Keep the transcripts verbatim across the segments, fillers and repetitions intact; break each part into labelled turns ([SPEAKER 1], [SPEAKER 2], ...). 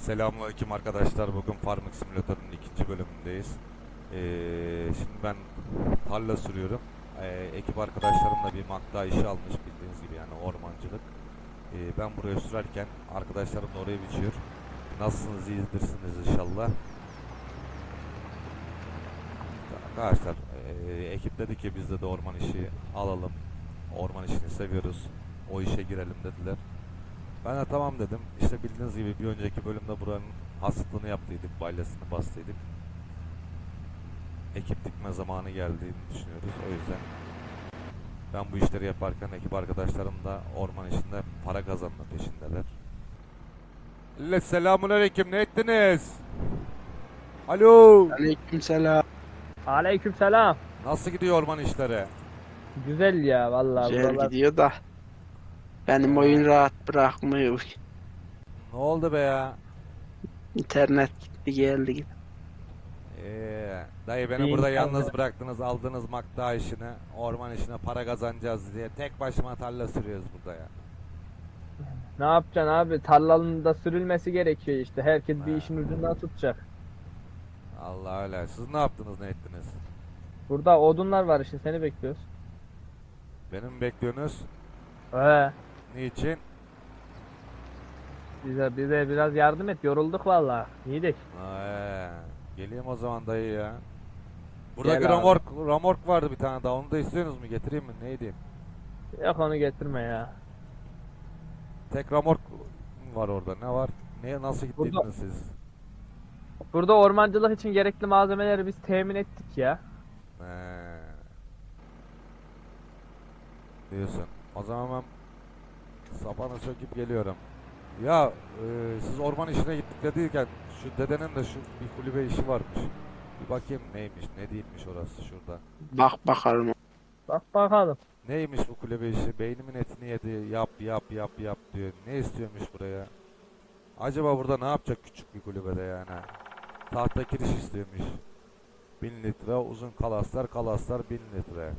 [SPEAKER 1] Selamünaleyküm arkadaşlar. Bugün Farming Simulator'un ikinci bölümündeyiz. Ee, şimdi ben tarla sürüyorum. Ee, ekip arkadaşlarımla bir makta işi almış bildiğiniz gibi, yani ormancılık. Ee, ben buraya sürerken arkadaşlarım da oraya biçiyor. Nasılsınız, iyidirsiniz inşallah. Arkadaşlar e, ekip dedi ki biz de, de orman işi alalım. Orman işini seviyoruz. O işe girelim dediler. Ben de tamam dedim. İşte bildiğiniz gibi bir önceki bölümde buranın hasıtlığını yaptıydık, balyasını bastıydık. Ekip dikme zamanı geldiğini düşünüyoruz. O yüzden ben bu işleri yaparken ekip arkadaşlarım da orman işinde para kazanma peşindeler. Evet, selamünaleyküm, ne ettiniz? Alo.
[SPEAKER 2] Aleykümselam.
[SPEAKER 3] Aleykümselam.
[SPEAKER 1] Nasıl gidiyor orman işleri?
[SPEAKER 3] Güzel ya vallahi
[SPEAKER 2] Güzel
[SPEAKER 3] buralar.
[SPEAKER 2] gidiyor da benim
[SPEAKER 1] Ee,
[SPEAKER 2] oyun rahat bırakmıyor.
[SPEAKER 1] Ne oldu be ya?
[SPEAKER 2] İnternet gitti geldi.
[SPEAKER 1] Ee, dayı beni
[SPEAKER 3] İyi
[SPEAKER 1] burada
[SPEAKER 3] inşallah.
[SPEAKER 1] yalnız bıraktınız, aldınız makta işine, orman işine para kazanacağız diye tek başıma tarla sürüyoruz burada ya.
[SPEAKER 3] Ne yapacaksın abi? Tarlanın da sürülmesi gerekiyor işte. Herkes bir
[SPEAKER 1] Ha.
[SPEAKER 3] işin ucundan tutacak.
[SPEAKER 1] Allah öyle. Siz ne yaptınız, ne ettiniz?
[SPEAKER 3] Burada odunlar var işte seni bekliyoruz.
[SPEAKER 1] Beni mi bekliyorsunuz?
[SPEAKER 3] Ee,
[SPEAKER 1] Niçin?
[SPEAKER 3] bize bize biraz yardım et. Yorulduk vallahi. İyiydik.
[SPEAKER 1] Ee, geleyim o zaman dayı ya. Buradaki
[SPEAKER 3] Gel abi.
[SPEAKER 1] ramork, ramork vardı bir tane daha. Onu da istiyorsunuz mu? Getireyim mi? Ne edeyim?
[SPEAKER 3] Yok onu getirme ya.
[SPEAKER 1] Tek ramork var orada. Ne var? Neye nasıl gittiniz
[SPEAKER 3] Burada-
[SPEAKER 1] siz?
[SPEAKER 3] Burada ormancılık için gerekli malzemeleri biz temin ettik ya.
[SPEAKER 1] Ee, diyorsun. O zaman ben sapanı söküp geliyorum. Ya e, siz orman işine gittik dediyken şu dedenin de şu bir kulübe işi varmış. Bir bakayım neymiş, ne değilmiş orası şurada.
[SPEAKER 2] Bak bakalım.
[SPEAKER 3] Bak bakalım.
[SPEAKER 1] Neymiş bu kulübe işi? Beynimin etini yedi. Yap yap yap yap diyor. Ne istiyormuş buraya? Acaba burada ne yapacak küçük bir kulübede yani? Tahta kiriş istiyormuş. Bin litre uzun kalaslar, kalaslar bin litre.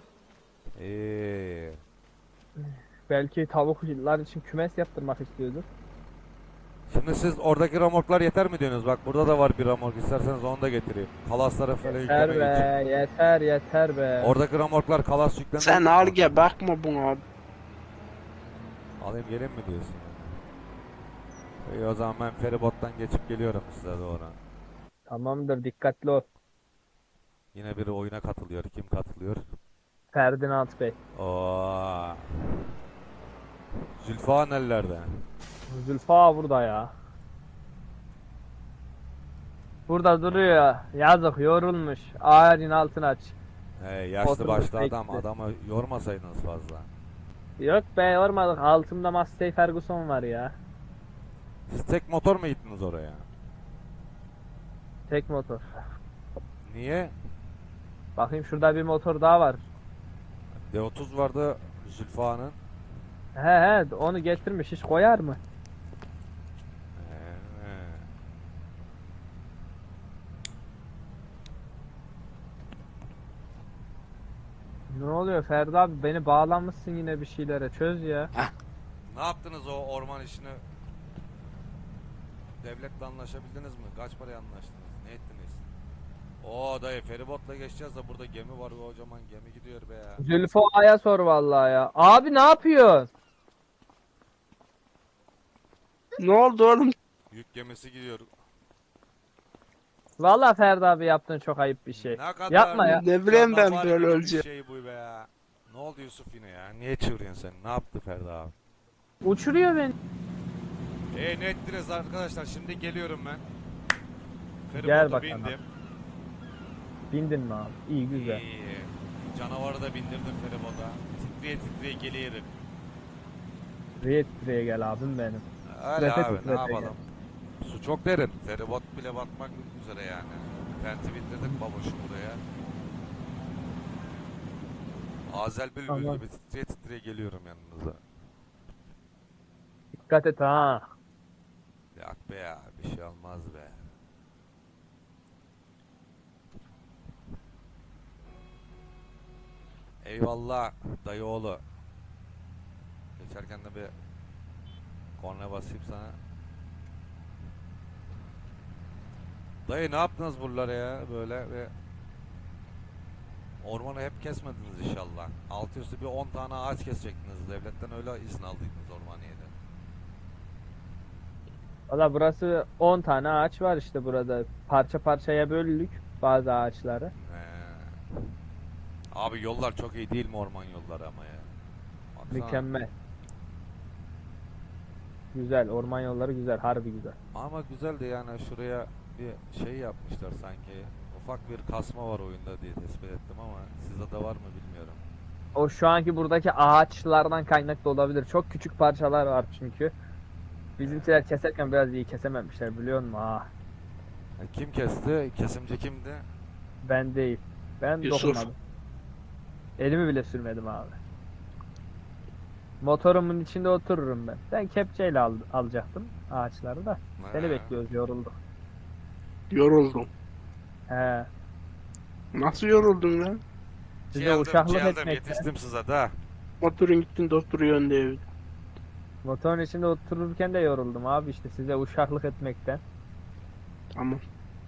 [SPEAKER 1] Eee.
[SPEAKER 3] Belki tavuklar için kümes yaptırmak istiyordur.
[SPEAKER 1] Şimdi siz oradaki ramorklar yeter mi diyorsunuz? Bak burada da var bir ramork. İsterseniz onu da getireyim. Kalaslara falan
[SPEAKER 3] Yeter
[SPEAKER 1] yüklemek için.
[SPEAKER 3] be, yeter yeter be.
[SPEAKER 1] Oradaki ramorklar kalas yüklemek
[SPEAKER 2] Sen
[SPEAKER 1] için.
[SPEAKER 2] al gel bakma buna.
[SPEAKER 1] Alayım gelin mi diyorsun yani? İyi, o zaman ben feribottan geçip geliyorum size doğru.
[SPEAKER 3] Tamamdır, dikkatli ol.
[SPEAKER 1] Yine biri oyuna katılıyor. Kim katılıyor?
[SPEAKER 3] Ferdinand Bey.
[SPEAKER 1] Oo. Zülfa nerelerde?
[SPEAKER 3] Zülfa burada ya. Burada duruyor. Yazık, yorulmuş. Ağacın altına aç.
[SPEAKER 1] He, yaşlı
[SPEAKER 3] Oturmuş
[SPEAKER 1] başlı adam.
[SPEAKER 3] bekliyor.
[SPEAKER 1] Adamı yormasaydınız fazla.
[SPEAKER 3] Yok be, yormadık. Altımda Massey Ferguson var ya.
[SPEAKER 1] Siz tek motor mu gittiniz oraya?
[SPEAKER 3] Tek motor.
[SPEAKER 1] Niye?
[SPEAKER 3] Bakayım şurada bir motor daha var.
[SPEAKER 1] D otuz vardı Zülfa'nın.
[SPEAKER 3] He he, onu getirmiş. Hiç koyar mı?
[SPEAKER 1] He.
[SPEAKER 3] Ne oluyor Ferdi abi? Beni bağlanmışsın yine bir şeylere. Çöz ya.
[SPEAKER 1] Ne yaptınız o orman işini? Devletle anlaşabildiniz mi? Kaç paraya anlaştınız? Ne ettiniz? Oo dayı, feribotla geçeceğiz de burada gemi var, kocaman gemi gidiyor be ya.
[SPEAKER 3] Zülfa'ya sor vallahi ya. Abi ne yapıyorsun?
[SPEAKER 2] Ne oldu oğlum?
[SPEAKER 1] Yük gemisi gidiyor.
[SPEAKER 3] Vallahi Ferdi abi yaptığın çok ayıp bir şey.
[SPEAKER 1] Ne kadar
[SPEAKER 3] Yapma ya.
[SPEAKER 2] Ne bileyim ben
[SPEAKER 1] canavar
[SPEAKER 2] böyle
[SPEAKER 1] gibi bir
[SPEAKER 2] öleceğim.
[SPEAKER 1] şey bu be ya. Ne oldu Yusuf yine ya? Niye çığırıyorsun sen? Ne yaptı Ferda abi?
[SPEAKER 3] Uçuruyor beni.
[SPEAKER 1] E ne ettiniz arkadaşlar? Şimdi geliyorum ben.
[SPEAKER 3] Gel
[SPEAKER 1] Feribota
[SPEAKER 3] bakalım.
[SPEAKER 1] bindim.
[SPEAKER 3] Bindin mi abi? İyi güzel.
[SPEAKER 1] İyi. Canavarı da bindirdim feribota. Titreye titreye geliyorum.
[SPEAKER 3] Riyet diye gel abim benim.
[SPEAKER 1] Öyle
[SPEAKER 3] Nefes
[SPEAKER 1] abi, ne
[SPEAKER 3] titrete
[SPEAKER 1] yapalım? Su çok derin. Feribot bile batmak üzere yani. Fenti bindirdik baboşu buraya. Azel bülbül
[SPEAKER 3] Tamam.
[SPEAKER 1] gibi titreye titreye geliyorum yanınıza.
[SPEAKER 3] Dikkat et ha.
[SPEAKER 1] Yok be ya, bir şey olmaz be. Eyvallah dayı oğlu. Geçerken de bir korna basayım sana. Dayı ne yaptınız buralara ya böyle ve ormanı hep kesmediniz inşallah. Altı üstü bir on tane ağaç kesecektiniz. Devletten öyle izin aldıydınız ormaniyeden.
[SPEAKER 3] Valla burası on tane ağaç var işte burada. Parça parçaya böldük bazı ağaçları.
[SPEAKER 1] He. Abi yollar çok iyi değil mi orman yolları ama ya. Baksana.
[SPEAKER 3] Mükemmel. Güzel. Orman yolları güzel. Harbi güzel.
[SPEAKER 1] Ama güzel de yani şuraya bir şey yapmışlar sanki. Ufak bir kasma var oyunda diye tespit ettim ama sizde de var mı bilmiyorum.
[SPEAKER 3] O şu anki buradaki ağaçlardan kaynaklı olabilir. Çok küçük parçalar var çünkü. Bizimkiler keserken biraz iyi kesememişler biliyor musun? Ah,
[SPEAKER 1] Ha, kim kesti? Kesimci kimdi?
[SPEAKER 3] ben değil. Ben
[SPEAKER 2] Yusuf.
[SPEAKER 3] dokunmadım. Elimi bile sürmedim abi. Motorumun içinde otururum ben. Ben kepçeyle al, alacaktım ağaçları da. Seni
[SPEAKER 1] Ha.
[SPEAKER 3] bekliyoruz, yorulduk.
[SPEAKER 2] Yoruldum.
[SPEAKER 3] He.
[SPEAKER 2] Nasıl yoruldun lan?
[SPEAKER 3] Size
[SPEAKER 1] Geldim,
[SPEAKER 3] uşaklık
[SPEAKER 1] geldim,
[SPEAKER 3] etmekten.
[SPEAKER 1] yetiştim size de.
[SPEAKER 2] Motorun gittin de oturuyorsun evde.
[SPEAKER 3] Motorun içinde otururken de yoruldum abi işte size uşaklık etmekten.
[SPEAKER 2] Tamam.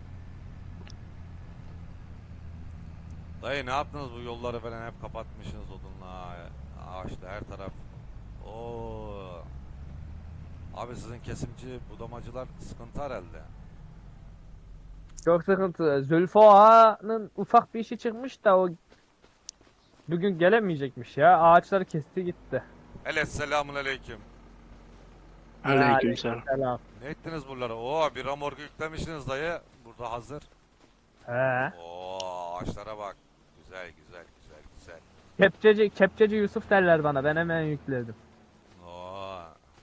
[SPEAKER 1] Dayı ne yaptınız bu yolları falan hep kapatmışsınız odunla, ağaçla her taraf. Oo. Abi sizin kesimci budamacılar sıkıntı herhalde.
[SPEAKER 3] Çok sıkıntı. Zülfü Ağa'nın ufak bir işi çıkmış da o bugün gelemeyecekmiş ya. Ağaçları kesti gitti.
[SPEAKER 1] Evet, selamun aleyküm.
[SPEAKER 2] Aleykümselam.
[SPEAKER 3] Selam.
[SPEAKER 1] Ne ettiniz buralara? Oo, bir ramorku yüklemişsiniz dayı. Burada hazır.
[SPEAKER 3] He.
[SPEAKER 1] Oo, ağaçlara bak. Güzel güzel güzel güzel.
[SPEAKER 3] Kepçeci, kepçeci Yusuf derler bana. Ben hemen yükledim.
[SPEAKER 1] Oo.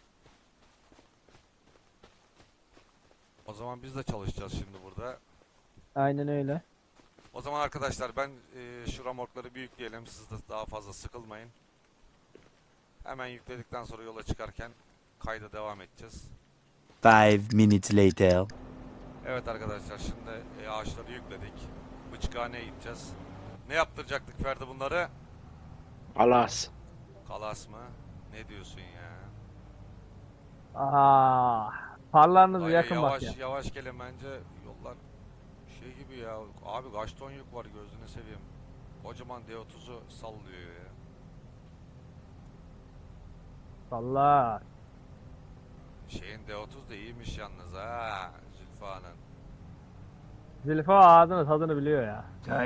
[SPEAKER 1] O zaman biz de çalışacağız şimdi burada.
[SPEAKER 3] Aynen öyle.
[SPEAKER 1] O zaman arkadaşlar ben e, şu ramorkları bir yükleyelim. Siz de daha fazla sıkılmayın. Hemen yükledikten sonra yola çıkarken kayda devam edeceğiz.
[SPEAKER 4] Five minutes later.
[SPEAKER 1] Evet arkadaşlar şimdi e, ağaçları yükledik. Bıçkhaneye gideceğiz. Ne yaptıracaktık Ferdi bunları?
[SPEAKER 2] Alas.
[SPEAKER 1] Kalas mı? Ne diyorsun ya?
[SPEAKER 3] Aa, parlarınızı
[SPEAKER 1] Dayı,
[SPEAKER 3] yakın
[SPEAKER 1] yavaş
[SPEAKER 3] bak ya.
[SPEAKER 1] yavaş gelin bence yollar şey gibi ya. Abi kaç ton yük var gözünü seveyim. Kocaman D otuzu sallıyor ya.
[SPEAKER 3] Valla.
[SPEAKER 1] Şeyin D otuz da iyiymiş yalnız ha. Zülfa'nın.
[SPEAKER 3] Zülfü Ağa ağzını tadını biliyor ya.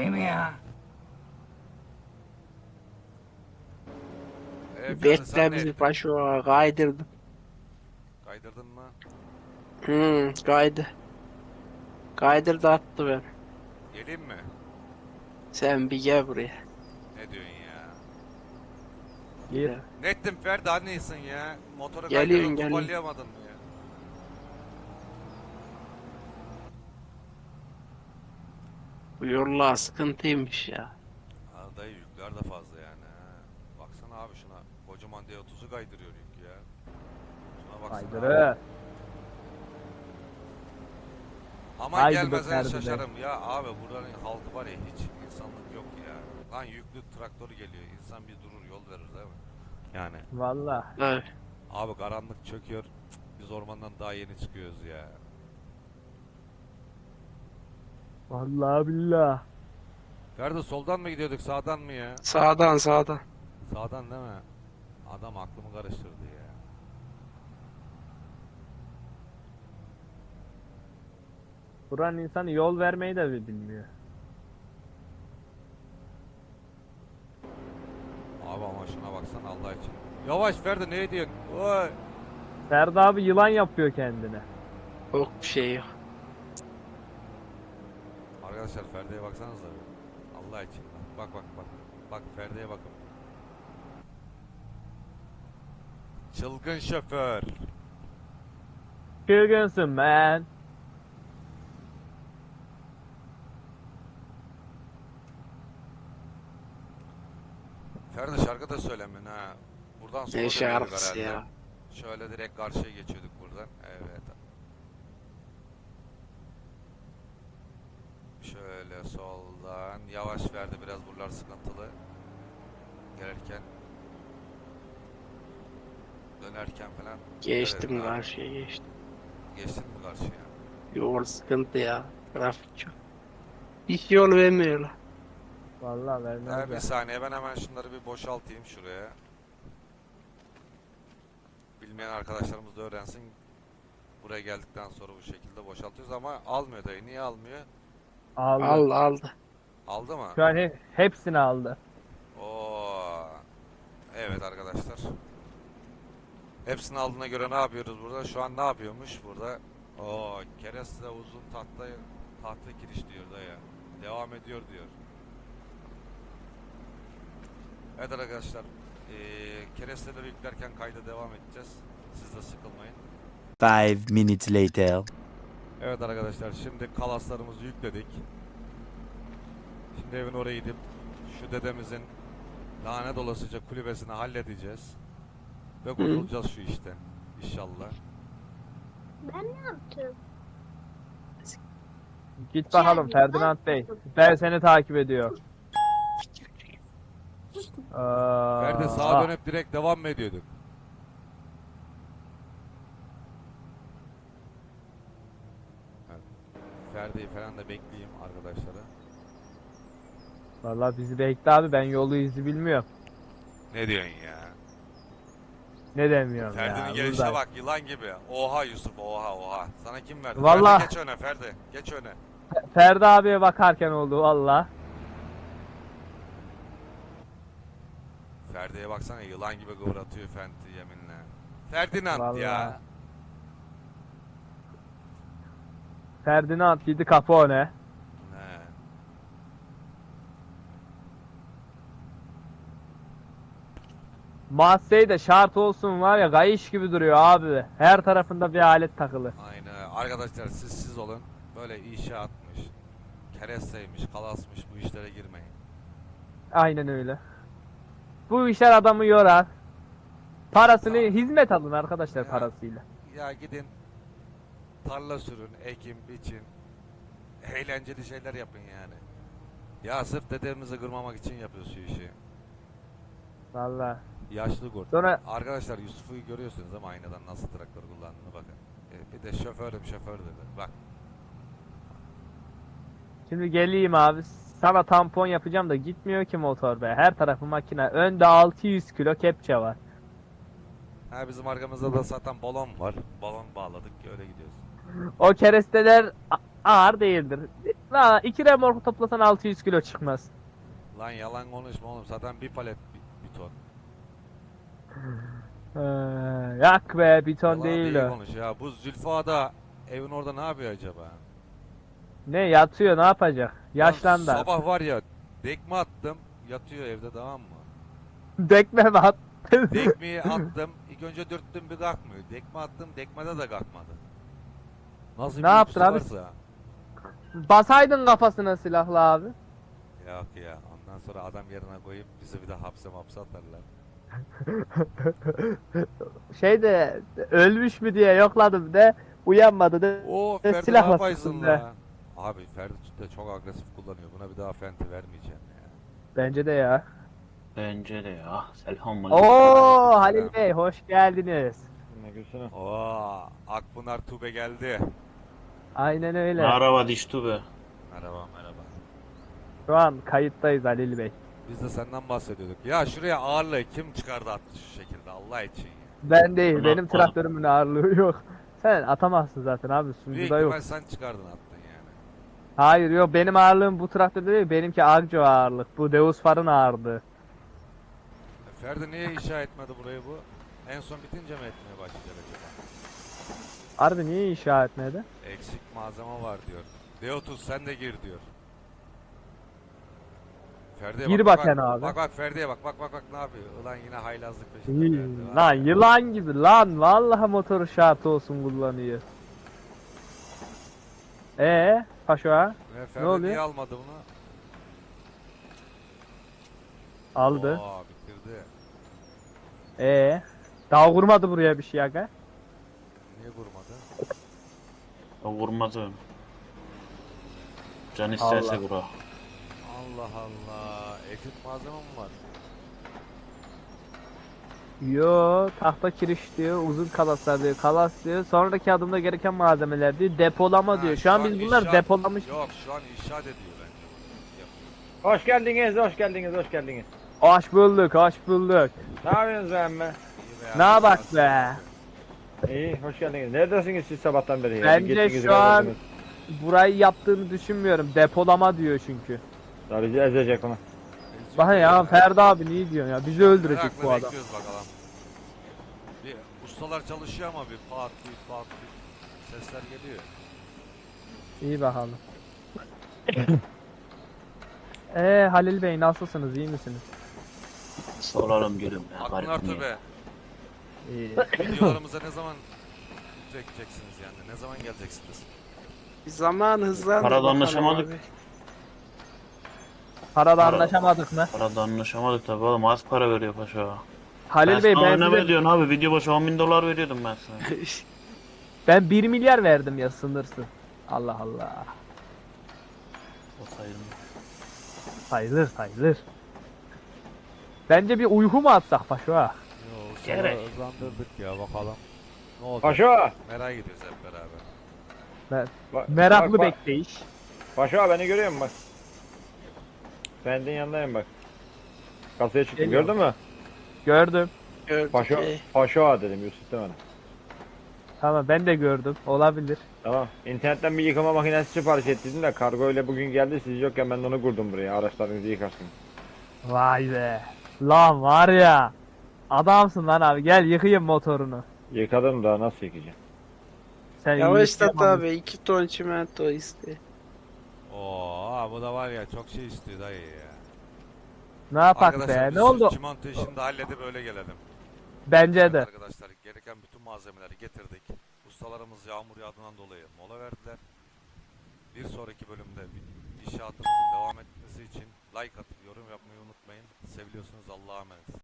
[SPEAKER 1] E, Ferdi, sen
[SPEAKER 2] Bekle
[SPEAKER 1] ne
[SPEAKER 2] bizi
[SPEAKER 1] ettin?
[SPEAKER 2] paşa kaydırdım.
[SPEAKER 1] Kaydırdın mı?
[SPEAKER 2] Hmm, kaydı. Kaydırdı attı ben.
[SPEAKER 1] Geleyim mi?
[SPEAKER 2] Sen bir gel buraya.
[SPEAKER 1] Ne diyorsun ya?
[SPEAKER 3] Gir.
[SPEAKER 1] Ne ettin Ferdi, annesin ya? Motoru
[SPEAKER 2] Geliyorum,
[SPEAKER 1] kaydırdın,
[SPEAKER 2] geliyorum.
[SPEAKER 1] toparlayamadın mı ya?
[SPEAKER 2] Bu yollar sıkıntıymış ya.
[SPEAKER 1] Ha, dayı yükler de fazla yani ha. Baksana abi şuna. Kocaman D otuzu kaydırıyor yük ya. Şuna baksana abi.
[SPEAKER 3] Kaydırı.
[SPEAKER 1] Aman
[SPEAKER 3] Haydi
[SPEAKER 1] gelmezsen
[SPEAKER 3] be Ferdi be.
[SPEAKER 1] şaşarım ya abi, buranın halkı var ya, hiç insanlık yok ya. Lan yüklü traktör geliyor, insan bir durur yol verir değil mi? Yani
[SPEAKER 3] Valla.
[SPEAKER 2] Evet.
[SPEAKER 1] abi karanlık çöküyor, cık, biz ormandan daha yeni çıkıyoruz ya.
[SPEAKER 3] Vallahi billah.
[SPEAKER 1] Ferdi soldan mı gidiyorduk sağdan mı ya?
[SPEAKER 2] Sağdan sağdan.
[SPEAKER 1] Sağdan değil mi? Adam aklımı karıştırdı ya.
[SPEAKER 3] Buranın insanı yol vermeyi de bilmiyor.
[SPEAKER 1] Abi ama şuna baksana Allah için. Yavaş Ferdi, ne ediyorsun? Oy.
[SPEAKER 3] Ferdi abi yılan yapıyor kendine.
[SPEAKER 2] Yok bir şey yok.
[SPEAKER 1] Arkadaşlar Ferdi'ye baksanıza bir. Allah için bak bak bak. Bak Ferdi'ye bakın. Çılgın şoför.
[SPEAKER 3] Çılgınsın man.
[SPEAKER 1] Ferdi şarkı da söylemiyorsun ha. Buradan sonra
[SPEAKER 2] Ne
[SPEAKER 1] dönüyorduk
[SPEAKER 2] şarkısı
[SPEAKER 1] herhalde.
[SPEAKER 2] ya.
[SPEAKER 1] Şöyle direkt karşıya geçiyorduk buradan. Evet. Şöyle soldan yavaş verdi, biraz buralar sıkıntılı. Gelirken dönerken falan.
[SPEAKER 2] Geçtim
[SPEAKER 1] dikkat edin abi.
[SPEAKER 2] karşıya geçtim.
[SPEAKER 1] Geçtin mi karşıya?
[SPEAKER 2] Yol sıkıntı ya. Trafik çok. Hiç yol vermiyorlar.
[SPEAKER 3] Vallahi
[SPEAKER 1] Ha,
[SPEAKER 3] vermez
[SPEAKER 1] bir
[SPEAKER 3] ya.
[SPEAKER 1] saniye ben hemen şunları bir boşaltayım şuraya. Bilmeyen arkadaşlarımız da öğrensin. Buraya geldikten sonra bu şekilde boşaltıyoruz ama almıyor dayı. Niye almıyor?
[SPEAKER 3] Aldı.
[SPEAKER 2] Aldı aldı.
[SPEAKER 1] Aldı mı?
[SPEAKER 3] Şu an he- hepsini aldı.
[SPEAKER 1] Oo. Evet arkadaşlar. Hepsini aldığına göre ne yapıyoruz burada? Şu an ne yapıyormuş burada? Oo, kereste uzun tahta tahta kiriş diyor da ya. Devam ediyor diyor. Evet arkadaşlar. Ee, keresteleri yüklerken kayda devam edeceğiz. Siz de sıkılmayın.
[SPEAKER 4] Five minutes later.
[SPEAKER 1] Evet arkadaşlar şimdi kalaslarımızı yükledik. Şimdi evin oraya gidip şu dedemizin lanet olasıca kulübesini halledeceğiz. Ve kurtulacağız şu işten. İnşallah.
[SPEAKER 5] Ben ne yaptım?
[SPEAKER 3] Git bakalım
[SPEAKER 5] Yani
[SPEAKER 3] Ferdinand
[SPEAKER 5] ben-
[SPEAKER 3] Bey. Ben seni takip ediyor.
[SPEAKER 1] Ferdi sağa dönüp direkt devam mı ediyorduk? Evet. Ferdi'yi falan da bekleyeyim arkadaşlara.
[SPEAKER 3] Vallahi bizi bekle abi, ben yolu izi bilmiyorum.
[SPEAKER 1] Ne diyorsun ya?
[SPEAKER 3] Ne demiyorum
[SPEAKER 1] Ferdi'nin
[SPEAKER 3] ya.
[SPEAKER 1] gelişine
[SPEAKER 3] burada.
[SPEAKER 1] bak yılan gibi. Oha Yusuf oha oha. Sana kim verdi?
[SPEAKER 3] Vallahi-
[SPEAKER 1] Ferdi geç öne Ferdi. Geç öne.
[SPEAKER 3] Ferdi abiye bakarken oldu valla.
[SPEAKER 1] Ferdi'ye baksana yılan gibi kıvratıyor Fendi yeminle. Ferdinand
[SPEAKER 3] Vallahi.
[SPEAKER 1] ya.
[SPEAKER 3] Ferdinand gidi kapı o ne?
[SPEAKER 1] He.
[SPEAKER 3] Massey de şart olsun var ya, kayış gibi duruyor abi. Her tarafında bir alet takılı.
[SPEAKER 1] Aynen. Arkadaşlar siz siz olun. Böyle inşaatmış, keresteymiş, kalasmış bu işlere girmeyin.
[SPEAKER 3] Aynen öyle. Bu işler adamı yorar. Parasını
[SPEAKER 1] Ya.
[SPEAKER 3] hizmet alın arkadaşlar
[SPEAKER 1] Ya.
[SPEAKER 3] parasıyla.
[SPEAKER 1] Ya gidin tarla sürün, ekin, biçin. Eğlenceli şeyler yapın yani. Ya sırf dedemizi kırmamak için yapıyoruz şu işi.
[SPEAKER 3] Valla.
[SPEAKER 1] Yaşlı kurt.
[SPEAKER 3] Sonra
[SPEAKER 1] Arkadaşlar Yusuf'u görüyorsunuz ama aynadan nasıl traktör kullandığını bakın. E, bir de şoförüm şoför dedi. Bak.
[SPEAKER 3] şimdi geleyim abi. Sana tampon yapacağım da gitmiyor ki motor be. Her tarafı makine. Önde altı yüz kilo kepçe var.
[SPEAKER 1] Ha bizim arkamızda da zaten balon var. Balon bağladık öyle gidiyoruz.
[SPEAKER 3] O keresteler a- ağır değildir. La iki remorku toplasan altı yüz kilo çıkmaz.
[SPEAKER 1] Lan yalan konuşma oğlum zaten bir palet bir, bir ton.
[SPEAKER 3] Ee, yak be, bir ton
[SPEAKER 1] Yalan
[SPEAKER 3] değil
[SPEAKER 1] değil
[SPEAKER 3] o.
[SPEAKER 1] konuş ya. Bu Zülfa da evin orada ne yapıyor acaba?
[SPEAKER 3] Ne yatıyor, ne yapacak? Yaşlandı.
[SPEAKER 1] Lan sabah var ya dekme attım yatıyor evde tamam mı?
[SPEAKER 3] Dekme mi at?
[SPEAKER 1] Dekmeyi attım ilk önce dürttüm bir kalkmıyor. Dekme attım dekmede de kalkmadı. Nasıl
[SPEAKER 3] Ne
[SPEAKER 1] bir
[SPEAKER 3] yaptın
[SPEAKER 1] uykusu
[SPEAKER 3] abi?
[SPEAKER 1] varsa.
[SPEAKER 3] Basaydın kafasına silahlı abi.
[SPEAKER 1] Yok ya ondan sonra adam yerine koyup bizi bir de hapse mapse atarlar.
[SPEAKER 3] Şey de ölmüş mü diye yokladım de uyanmadı de.
[SPEAKER 1] Oo
[SPEAKER 3] E,
[SPEAKER 1] Ferdi ne
[SPEAKER 3] silahla
[SPEAKER 1] yapaysın
[SPEAKER 3] sıktın
[SPEAKER 1] la? Abi Ferdi de çok agresif kullanıyor. Buna bir daha Fenti vermeyeceğim ya.
[SPEAKER 3] Bence de ya.
[SPEAKER 6] Bence de ya. Selamünaleyküm.
[SPEAKER 3] Oo
[SPEAKER 1] Aleykümselam.
[SPEAKER 3] Halil Bey hoş geldiniz.
[SPEAKER 1] Oo Akpınar Tube geldi.
[SPEAKER 3] Aynen öyle.
[SPEAKER 6] Merhaba Diştu be.
[SPEAKER 1] Merhaba merhaba.
[SPEAKER 3] Şu an kayıttayız Halil Bey.
[SPEAKER 1] Biz de senden bahsediyorduk. Ya şuraya ağırlığı kim çıkardı attı şu şekilde Allah için ya.
[SPEAKER 3] Ben değil,
[SPEAKER 6] Ulan,
[SPEAKER 3] benim
[SPEAKER 6] ulan.
[SPEAKER 3] traktörümün ağırlığı yok. Sen atamazsın zaten abi,
[SPEAKER 1] Büyük
[SPEAKER 3] sunucuda yok.
[SPEAKER 1] ihtimal sen çıkardın attın yani.
[SPEAKER 3] Hayır yok, benim ağırlığım bu traktörde değil, benimki Agco ağırlık. Bu Deus Far'ın ağırlığı.
[SPEAKER 1] E, Ferdi niye inşa etmedi burayı bu? En son bitince mi etmeye başlayacak acaba?
[SPEAKER 3] Harbi niye inşa etmedi?
[SPEAKER 1] Eksik malzeme var diyor. Deotus sen de gir diyor. Ferdi'ye
[SPEAKER 3] Gir
[SPEAKER 1] bak,
[SPEAKER 3] bakayım
[SPEAKER 1] bak,
[SPEAKER 3] abi.
[SPEAKER 1] Bak bak Ferdi'ye bak bak bak bak ne yapıyor? Ulan yine haylazlık peşinde Ferdi.
[SPEAKER 3] Hmm,
[SPEAKER 1] var
[SPEAKER 3] lan
[SPEAKER 1] ya.
[SPEAKER 3] yılan gibi lan, vallahi motoru şart olsun kullanıyor. Ee, Paşa
[SPEAKER 1] Ve Ferdi
[SPEAKER 3] oluyor?
[SPEAKER 1] niye almadı bunu?
[SPEAKER 3] aldı.
[SPEAKER 1] Oo bitirdi.
[SPEAKER 3] Ee, daha kurmadı buraya bir şey aga.
[SPEAKER 1] Niye vurmadı?
[SPEAKER 6] O vurmadı. Can isterse
[SPEAKER 3] Allah.
[SPEAKER 6] vura.
[SPEAKER 1] Allah Allah. Ekip malzeme mi var?
[SPEAKER 3] Yo, tahta kiriş diyor, uzun kalaslar diyor, kalas diyor. Sonraki adımda gereken malzemeler diyor, depolama
[SPEAKER 1] Ha,
[SPEAKER 3] diyor.
[SPEAKER 1] şu
[SPEAKER 3] Şu an
[SPEAKER 1] an
[SPEAKER 3] biz bunlar
[SPEAKER 1] inşaat-
[SPEAKER 3] depolamış.
[SPEAKER 1] Yok şu an inşaat ediyor bence.
[SPEAKER 7] Hoş geldiniz, hoş geldiniz, hoş geldiniz.
[SPEAKER 3] Hoş bulduk, hoş bulduk.
[SPEAKER 7] Ne yapıyorsunuz be emme?
[SPEAKER 1] İyi
[SPEAKER 3] Ne
[SPEAKER 1] abi,
[SPEAKER 3] bak
[SPEAKER 1] nasıl
[SPEAKER 3] be?
[SPEAKER 1] yapıyor?
[SPEAKER 7] İyi, hoş geldiniz. Neredesiniz siz sabahtan beri ya?
[SPEAKER 3] Bence
[SPEAKER 7] Bir gittiniz,
[SPEAKER 3] şu
[SPEAKER 7] bir
[SPEAKER 3] an-
[SPEAKER 7] geldiniz.
[SPEAKER 3] Burayı yaptığını düşünmüyorum. Depolama diyor çünkü.
[SPEAKER 7] Daha bizi ezecek onu.
[SPEAKER 3] Bak ya Ferdi abi ne diyorsun ya? Bizi öldürecek
[SPEAKER 1] Merakla
[SPEAKER 3] bu adam.
[SPEAKER 1] bekliyoruz bakalım. Bir ustalar çalışıyor ama bir pat bir pat bir sesler geliyor.
[SPEAKER 3] İyi bakalım. Eee Halil Bey nasılsınız? İyi misiniz?
[SPEAKER 6] Soralım gülüm ya.
[SPEAKER 1] Aklın
[SPEAKER 6] garip
[SPEAKER 1] artı
[SPEAKER 6] niye?
[SPEAKER 1] be.
[SPEAKER 3] İyi.
[SPEAKER 1] Videolarımıza ne zaman bekleyeceksiniz yani? Ne zaman geleceksiniz?
[SPEAKER 2] Zaman hızlandı.
[SPEAKER 6] Parada
[SPEAKER 2] bakalım
[SPEAKER 6] anlaşamadık.
[SPEAKER 2] abi.
[SPEAKER 3] Parada
[SPEAKER 6] Para-
[SPEAKER 3] anlaşamadık mı?
[SPEAKER 6] Parada anlaşamadık tabi oğlum, az para veriyor paşa.
[SPEAKER 3] Halil
[SPEAKER 6] ben
[SPEAKER 3] Bey
[SPEAKER 6] sana
[SPEAKER 3] ben,
[SPEAKER 6] ne
[SPEAKER 3] size-
[SPEAKER 6] veriyorsun abi? Video başı on bin dolar veriyordum ben sana.
[SPEAKER 3] ben bir milyar verdim ya sınırsız. Allah Allah.
[SPEAKER 6] O sayılmıyor.
[SPEAKER 3] Sayılır sayılır. Bence bir uyku mu atsak Faşo ha?
[SPEAKER 1] Yo,
[SPEAKER 6] Gerek.
[SPEAKER 1] sonra hızlandırdık ya bakalım. Ne olacak?
[SPEAKER 7] Paşo!
[SPEAKER 1] Merak ediyoruz hep beraber.
[SPEAKER 3] Mer-
[SPEAKER 7] Bak,
[SPEAKER 3] Meraklı
[SPEAKER 7] bak, bak.
[SPEAKER 3] bekleyiş.
[SPEAKER 7] Paşo beni görüyor musun bak. Bendin yanındayım bak. Kasaya çıktım,
[SPEAKER 3] Geliyorum.
[SPEAKER 7] gördün mü?
[SPEAKER 3] Gördüm.
[SPEAKER 2] Gördük.
[SPEAKER 7] Paşo,
[SPEAKER 2] Ee,
[SPEAKER 7] Paşo dedim, Yusuf demedim.
[SPEAKER 3] Tamam ben de gördüm. Olabilir.
[SPEAKER 7] Tamam. İnternetten bir yıkama makinesi sipariş ettiydim de kargo ile bugün geldi, siz yokken ben de onu kurdum buraya. Araçlarınızı yıkarsın.
[SPEAKER 3] Vay be. Lan var ya. Adamsın lan abi. Gel yıkayım motorunu.
[SPEAKER 7] Yıkadım da nasıl yıkayacağım?
[SPEAKER 3] Sen
[SPEAKER 2] Yavaşlat
[SPEAKER 3] yıkayamamışsın.
[SPEAKER 2] abi. iki ton çimento iste.
[SPEAKER 1] Oo, bu da var ya çok şey istiyor dayı ya.
[SPEAKER 3] Ne yapak
[SPEAKER 1] Arkadaşlar
[SPEAKER 3] be?
[SPEAKER 1] biz
[SPEAKER 3] Ne oldu?
[SPEAKER 1] şu çimento işini de halledip öyle gelelim.
[SPEAKER 3] Bence
[SPEAKER 1] Evet
[SPEAKER 3] de.
[SPEAKER 1] arkadaşlar gereken bütün malzemeleri getirdik. Ustalarımız yağmur yağdığından dolayı mola verdiler. Bir sonraki bölümde inşaatımızın devam etmesi için like atıp yorum yapmayı unutmayın. Seviliyorsunuz, Allah'a emanet.